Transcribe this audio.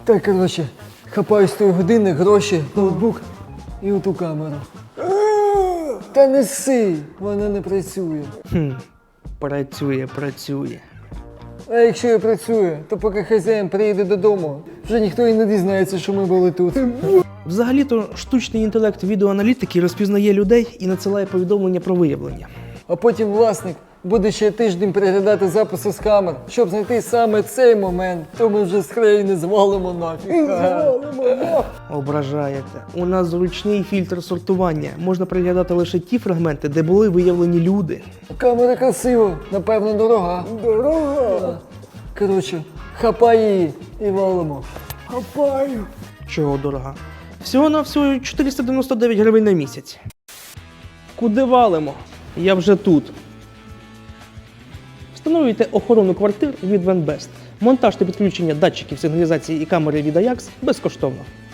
Так, коротше, хапаю з тої години, гроші, ноутбук і оту камеру. Та неси, вона не працює. Працює. А якщо і працює, то поки хазяїн приїде додому, вже ніхто і не дізнається, що ми були тут. Взагалі-то штучний інтелект відеоаналітики розпізнає людей і надсилає повідомлення про виявлення. А потім власник буде ще тиждень переглядати записи з камер, щоб знайти саме цей момент, то ми вже з країни звалимо нафіг. Ображаєте. У нас зручний фільтр сортування. Можна приглядати лише ті фрагменти, де були виявлені люди. Камера красива, напевно, дорога. Дорога? Коротше, хапай її і валимо. Хапаю. Чого дорога? Всього-навсього 499 гривень на місяць. Куди валимо? Я вже тут. Встановлюйте охорону квартир від Венбест. Монтаж та підключення датчиків сигналізації і камери від Ajax безкоштовно.